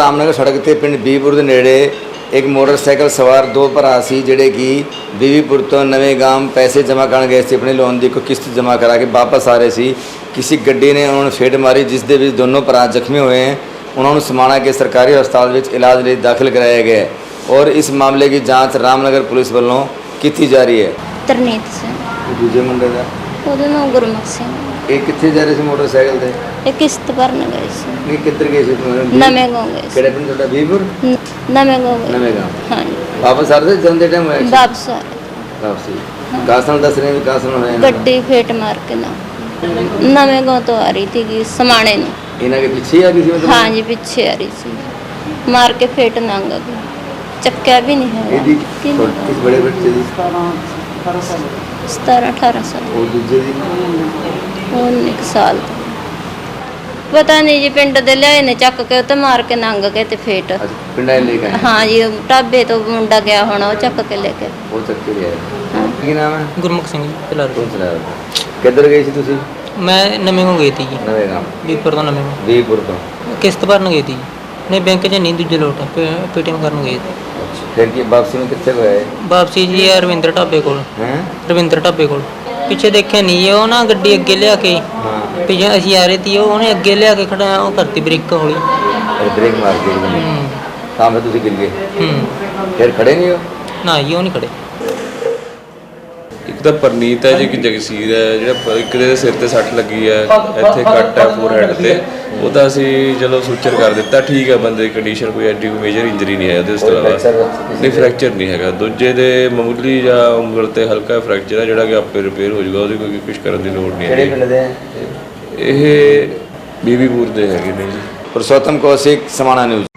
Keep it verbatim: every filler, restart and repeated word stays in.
ਰਾਮਨਗਰ ਸੜਕ ਤੇ ਪਿੰਡ ਬੀਬੀਪੁਰ ਦੇ ਨੇੜੇ ਇੱਕ ਮੋਟਰਸਾਈਕਲ ਸਵਾਰ ਦੋ ਭਰਾ ਸੀ ਜਿਹੜੇ ਕਿ ਬੀਬੀਪੁਰ ਤੋਂ ਨਵੇਂ ਗਾਮ ਪੈਸੇ ਜਮ੍ਹਾਂ ਕਰਨ ਗਏ ਸੀ। ਆਪਣੇ ਲੋਨ ਦੀ ਕੋਈ ਕਿਸ਼ਤ ਜਮ੍ਹਾਂ ਕਰਾ ਕੇ ਵਾਪਸ ਆ ਰਹੇ ਸੀ। ਕਿਸੇ ਗੱਡੀ ਨੇ ਉਹਨਾਂ ਨੂੰ ਫੇਟ ਮਾਰੀ, ਜਿਸ ਦੇ ਵਿੱਚ ਦੋਨੋਂ ਭਰਾ ਜ਼ਖਮੀ ਹੋਏ हैं। उन्होंने समाना के सरकारी अस्पताल में इलाज लिए दाखिल कराया गया है और इस मामले की जांच रामनगर पुलिस वालों की जा रही है। तरनीत सिंह दूजे मुंडे का ਉਹਦਾ ਨਾਮ ਗੁਰਮੁਖ ਸਿੰਘ। ਇਹ ਕਿੱਥੇ ਜਾ ਰਹੇ ਸੀ ਮੋਟਰਸਾਈਕਲ ਤੇ? ਇਹ ਕਿਸ਼ਤ ਭਰਨ ਗਏ ਸੀ। ਨਹੀਂ, ਕਿੱਧਰ ਗਏ ਸੀ ਤੁਸੀਂ? ਨਵੇਂ ਗਾँव ਗਏ ਸੀ। ਕਿਹੜੇ ਪਿੰਡ ਤੁਹਾਡਾ? ਬੀਬੀਪੁਰ ਨ- ਨਵੇਂ ਗਾँव ਗਏ। ਨਵੇਂ ਗਾँव। ਹਾਂਜੀ ਵਾਪਸ ਆ ਰਹੇ ਸੀ ਜਾਂਦੇ ਟਾਈਮ ਹੋਇਆ? ਵਾਪਸ ਆ ਰਹੇ। ਵਾਪਸੀ ਕਾਸਨ ਦੱਸ ਰਹੇ ਵੀ ਕਾਸਨ ਹੋਇਆ। ਗੱਡੀ ਫੇਟ ਮਾਰ ਕੇ ਨਾ ਨਵੇਂ ਗਾँव ਤੋਂ ਆ ਰਹੀ ਸੀਗੀ ਸਮਾਣੇ ਨੂੰ। ਇਹਨਾਂ के पीछे आ गई थी मतलब? ਹਾਂਜੀ ਪਿੱਛੇ ਆ ਰਹੀ ਸੀ, ਮਾਰ ਕੇ ਫੇਟ ਨੰਗ ਗਈ, ਚੱਕਿਆ ਵੀ ਨਹੀਂ ਹੈ। ਇਹਦੀ ਕਿਸ ਬੜੇ ਬੱਚੇ ਦੀ? ਸਤਾਰਾਂ ਅਠਾਰਾਂ ਸਾਲ। ਉਹ ਦੂਜੇ ਦੀ? ਉਹ ਇੱਕ ਸਾਲ ਦਾ। ਪਤਾ ਨਹੀਂ ਜੀ, ਪਿੰਡ ਦੇ ਲਿਆਏ ਨੇ ਚੱਕ ਕੇ ਉੱਤੇ ਮਾਰ ਕੇ ਨੰਗ ਗਏ ਤੇ ਫੇਟ। ਅੱਛਾ, ਪਿੰਡਾਂ ਲੈ ਕੇ ਆਏ? ਹਾਂ ਜੀ, ਉਹ ਢਾਬੇ ਤੋਂ ਮੁੰਡਾ ਗਿਆ ਹੋਣਾ, ਉਹ ਚੱਕ ਕੇ ਲੈ ਕੇ। ਉਹ ਚੱਕ ਕੇ ਲਿਆਏ। ਕੀ ਨਾਮ ਹੈ? ਗੁਰਮੁਖ ਸਿੰਘ ਚਲਾ ਕੌਣ ਚਲਾਇਆ? ਕਿੱਧਰ ਗਏ ਸੀ ਤੁਸੀਂ? ਮੈਂ ਨਵੇਂ ਨੂੰ ਗਈ ਤੀ ਜੀ, ਨਵੇਂ ਗਾਮ ਬੀਪੁਰ ਤੋਂ ਨਵੇਂ ਨੂੰ ਬੀਬੀਪੁਰ ਤੋਂ। ਕਿਸ਼ਤ ਭਰਨ ਗਈ ਤੀ। ਨਹੀਂ, ਬੈਂਕ 'ਚ ਨਹੀਂ, ਦੂਜੇ ਲੋਟ ਪੇਟੀਐਮ ਕਰਨ ਗਏ ਤੀ। ਫਿਰ ਕੀ ਵਾਪਸੀ ਨੂੰ ਕਿੱਥੇ ਗਏ? ਵਾਪਸੀ ਜੀ ਆ ਰਵਿੰਦਰ ਢਾਬੇ ਕੋਲ। ਹੈ ਰਵਿੰਦਰ ਢਾਬੇ ਕੋਲ ਪਿੱਛੇ ਦੇਖਿਆ ਨਹੀਂ, ਉਹ ਨਾ ਗੱਡੀ ਅੱਗੇ ਲਿਆ ਕੇ ਹਾਂ, ਪਿੱਛੇ ਅਸੀਂ ਆ ਰਹੇ ਤੀ, ਉਹ ਉਹਨੇ ਅੱਗੇ ਲਿਆ ਕੇ ਖੜਾ ਉਹ ਕਰਤੀ ਬ੍ਰੇਕ ਹੌਲੀ। ਬ੍ਰੇਕ ਮਾਰ ਕੇ ਹੂੰ ਤਾਂ ਫਿਰ ਤੁਸੀਂ ਗਿਰ ਗਏ? ਹੂੰ ਫਿਰ ਖੜੇ ਨਹੀਂ ਹੋ? ਨਾ ਜੀ, ਉਹ ਨਹੀਂ ਖੜੇ। ਇੱਕ ਤਾਂ ਪਰਨੀਤ ਹੈ ਜੀ, ਕਿ ਜਗਸੀਰ ਹੈ ਜਿਹੜਾ ਪ- ਇੱਕ ਦੇ ਸਿਰ ਤੇ ਸੱਟ ਲੱਗੀ ਹੈ, ਇੱਥੇ ਕੱਟ ਹੈ ਫੋਰਹੈਡ ਤੇ। ਉਹਦਾ ਅਸੀਂ ਚਲੋ ਸੂਚਰ ਕਰ ਦਿੱਤਾ, ਠੀਕ ਹੈ, ਬੰਦੇ ਦੀ ਕੰਡੀਸ਼ਨ ਕੋਈ ਐਡੀ ਕੋਈ ਮੇਜਰ ਇੰਜਰੀ ਨਹੀਂ ਹੈ ਉਹਦੇ। ਉਸ ਤੋਂ ਇਲਾਵਾ ਨਹੀਂ, ਫ੍ਰੈਕਚਰ ਨਹੀਂ ਹੈਗਾ। ਦੂਜੇ ਦੇ ਮਾਮੂਲੀ ਜਾਂ ਉਂਗਲ ਤੇ ਹਲਕਾ ਫ੍ਰੈਕਚਰ ਹੈ ਜਿਹੜਾ ਕਿ ਆਪੇ ਰਿਪੇਅਰ ਹੋ ਜਾਊਗਾ, ਉਹਦੀ ਕੋਈ ਕੁਛ ਕਰਨ ਦੀ ਲੋੜ ਨਹੀਂ ਕਿਹੜੇ ਹੈ। ਪਿੰਡ ਦੇ? ਇਹ ਬੀਬੀਪੁਰ ਦੇ ਹੈਗੇ ਨੇ ਜੀ। पुरुषोत्तम कौशिक, समाना न्यूज।